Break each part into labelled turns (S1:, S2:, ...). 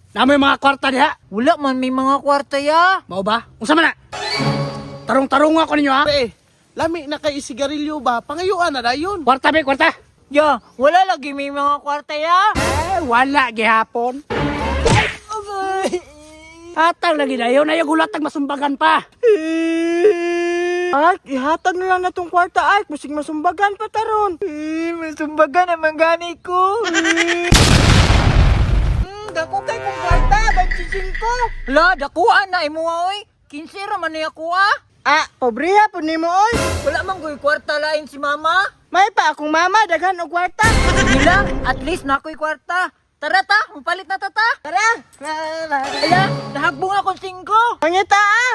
S1: Namo yung mga kwarta diha.
S2: Wala man may mga kwarta ya.
S1: Mao ba? Unsa man na? Tarong-tarong ako ninyo ha.
S3: Pre, lami na kay sigarilyo ba? Pangayuan na dayon.
S1: Kwarta be, kwarta.
S2: Ya, wala lagi may mga kwarta ya.
S1: Wala gihapon. Hatag lagi dayon, ayaw gulatag masumbagan pa.
S4: Ark, ihatag na lang na tong kwarta, Ark. Musig masumbagan pa taron.
S2: Masumbagan naman gani ko.
S4: Dako kay kong kwarta, 25 ko.
S2: Hala, dakuan na imo oy. 15 ra man niya kuha.
S4: Pobriha po ni mo, oy.
S2: Wala man goy kwarta lain si mama.
S4: May pa akong mama, daghan og kwarta.
S2: Sige lang, at least nakoy kwarta. Tara ta, mapalit na ta ta.
S4: Tara.
S2: Hala, nahagbong akong 5.
S4: Pangita,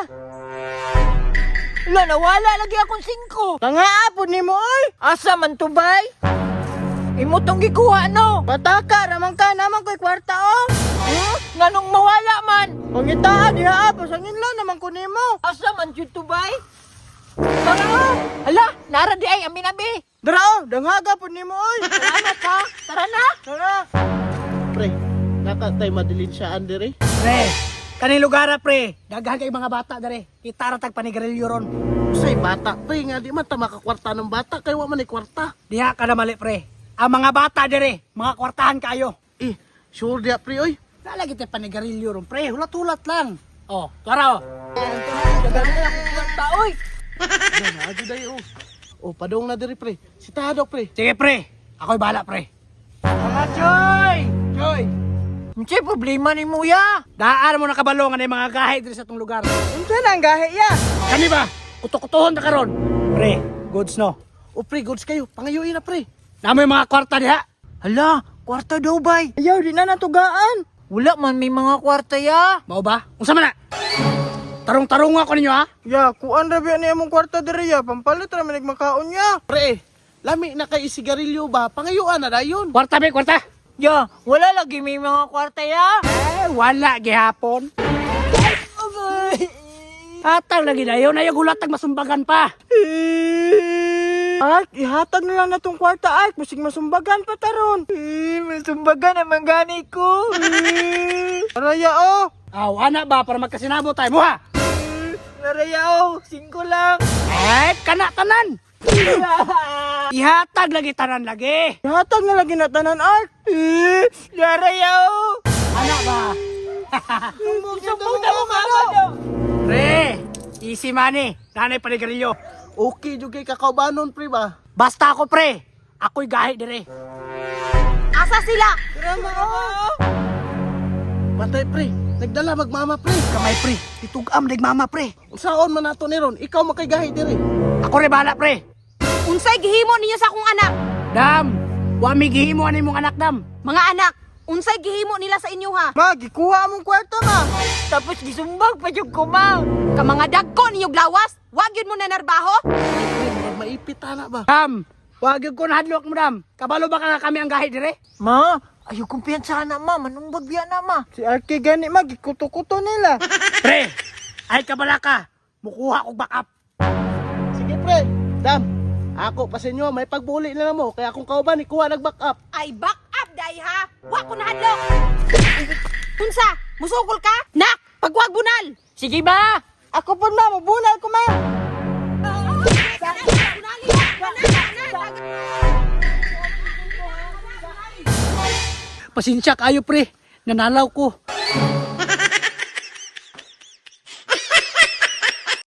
S2: Hala, nawala lagi akong 5.
S4: Tangaa po ni mo, oy.
S2: Asa man to bay? Imo tong gikuha no.
S4: Pataka, ramang ka naman ko'y kwarta, oh.
S2: Nganong mawala man?
S4: Pangita, diha, pasangin lang naman ko ni mo.
S2: Asa man jud to bay? Tara. Hala, nara di ay amin abi.
S4: Dara, oh, danghaga po ni mo, oy.
S2: Salamat ha. Tara na.
S4: Tara.
S3: Pre, nakatay madilin siya andere.
S1: Pre, kaning lugar pre. Daghan kay mga bata dere. Kita ra tag panigarilyo ron.
S3: Usay bata, pre, nga di man ta makakwarta ng bata, kay wa man ni kwarta.
S1: Diha ka na mali pre. Ang mga bata dere, mga kwartahan kayo.
S3: Sure dia, pre, oy.
S1: Nalagi tayo panigarilyo ron pre. Hulat-hulat lang. Oh, tara oh.
S2: Dagan na akong kwarta oy.
S3: Ano, adi dayo. Oh, padong na diri, pre. Si Tadok, pre.
S1: Sige pre, ako'y bahala pre. Mga Choy! Choy!
S2: Unsay problema ni mo ya?
S1: Daan mo nakabalongan ng mga gahe diri sa tong lugar.
S4: Unsa na ang gahe, ya?
S1: Kani ba? Kutok-kutohon na karon. Pre, goods no.
S3: Oh, pre, goods kayo. Pangayuin na, pre.
S1: Namo yung mga kwarta diha.
S2: Hala, kwarta daw bay.
S4: Ayaw, di na natugaan.
S2: Wala man may mga kwarta ya.
S1: Mao ba? Unsa man na? Tarong-tarong ako ninyo ha.
S4: Ya, kuan ra biya ni among kwarta diri, ya. Pampalit ra man makaon ya.
S3: Pre, lami na kay sigarilyo ba? Pangayuan na dayon.
S1: Kwarta be, kwarta.
S2: Ya, wala lagi may mga kwarta ya.
S1: Wala gihapon. Hatag lagi dayon, ayaw gulatag masumbagan pa.
S4: Ark, ihatag na lang na tong kwarta, Ark. Musig masumbagan pa taron.
S2: Masumbagan naman gani ko.
S4: Araya, oh.
S1: Aw, ana ba para magkasinabo tayo mo ha?
S2: Narayaw, 5 lang.
S1: Kana tanan. Ihatag lagi tanan lagi.
S4: Ihatag na lagi na tanan, Ark.
S2: Narayaw.
S1: Ana ba?
S2: Sumbong na mo mama daw.
S1: Pre, easy money. Nanay panigarilyo.
S3: Okay, jud kay kakaubanon, pre, ba?
S1: Basta ako pre. Ako'y gahi dire.
S2: Asa sila?
S3: Matay, pre. Nagdala magmama, pre.
S1: Kamay pre. Itugam mama pre.
S3: Saon man nato ni ron? Ikaw makaygahi diri.
S1: Ako rin bahala pre.
S5: Unsay gihimo ninyo sa akong anak?
S1: Dam, wami gihimo ani mong anak dam.
S5: Mga anak, unsay gihimo nila sa inyo ha?
S4: Ma, gikuha among kwarta, ma.
S2: Tapos gisumbag pa yung kuma.
S5: Ka mga dagko ninyong lawas, wag yun mo na narbaho?
S3: Pre, maipit ana ba?
S1: Dam, wag yung ko nahadlok mo dam. Kabalo ba ka nga kami ang gahi dire?
S2: Ma, ayaw kumpiyansa na ma. Manong bagbiya na ma.
S4: Si Arky gani, ma, gikuto-kuto nila.
S1: Pre, ay kabala ka. Mukuha kong backup.
S3: Sige, pre. Dam, ako pa sa inyo, may pagbuli na mo. Kaya akong kauban, ikuha nag-back up.
S5: Ay, back up, day ha? Wag ko nahadlok. Unsa? Musukol ka? Nak, pagwag bunal.
S2: Sige ba?
S4: Ako po, ma, mabunal ko, ma.
S1: Pasensya kayo pre. Nanalaw ko.